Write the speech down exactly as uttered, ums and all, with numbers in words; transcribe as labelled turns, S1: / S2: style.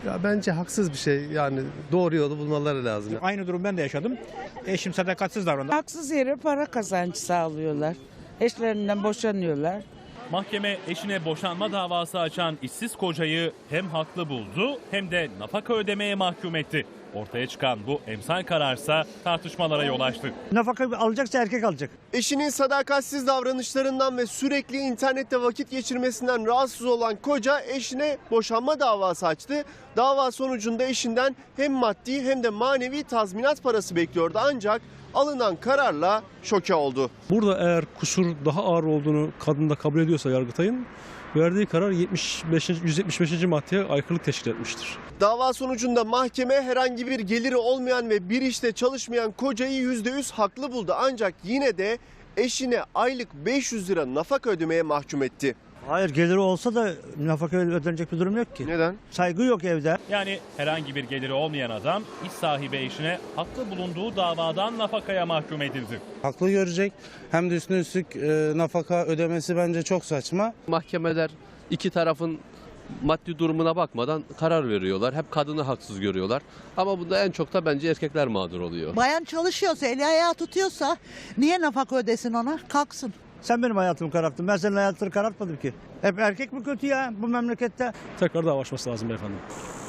S1: Ya bence haksız bir şey, yani doğru yolu bulmaları lazım.
S2: Aynı durum ben de yaşadım. Eşim sadakatsiz davrandı.
S3: Haksız yere para kazancı sağlıyorlar. Eşlerinden boşanıyorlar.
S4: Mahkeme eşine boşanma davası açan işsiz kocayı hem haklı buldu hem de nafaka ödemeye mahkum etti. Ortaya çıkan bu emsal kararsa tartışmalara yol açtı.
S2: Nafaka alacaksa erkek alacak.
S5: Eşinin sadakatsiz davranışlarından ve sürekli internette vakit geçirmesinden rahatsız olan koca eşine boşanma davası açtı. Dava sonucunda eşinden hem maddi hem de manevi tazminat parası bekliyordu, ancak alınan kararla şoke oldu.
S6: Burada eğer kusur daha ağır olduğunu kadın da kabul ediyorsa Yargıtay'ın verdiği karar yetmiş beş. yüz yetmiş beşinci maddeye aykırılık teşkil etmiştir.
S5: Dava sonucunda mahkeme herhangi bir geliri olmayan ve bir işte çalışmayan kocayı yüzde yüz haklı buldu. Ancak yine de eşine aylık beş yüz lira nafaka ödemeye mahkum etti.
S2: Hayır, geliri olsa da nafaka ödenecek bir durum yok ki.
S5: Neden?
S2: Saygı yok evde.
S4: Yani herhangi bir geliri olmayan adam iş sahibi eşine haklı bulunduğu davadan nafakaya mahkum edildi.
S7: Haklı görecek, hem de üstüne üstlük e, nafaka ödemesi bence çok saçma.
S8: Mahkemeler iki tarafın maddi durumuna bakmadan karar veriyorlar. Hep kadını haksız görüyorlar. Ama bunda en çok da bence erkekler mağdur oluyor.
S9: Bayan çalışıyorsa, eli ayağı tutuyorsa niye nafaka ödesin ona? Kalksın.
S2: Sen benim hayatımı kararttın. Ben senin hayatını karartmadım ki. Hep erkek mi kötü ya bu memlekette?
S6: Tekrar dava açması lazım beyefendi.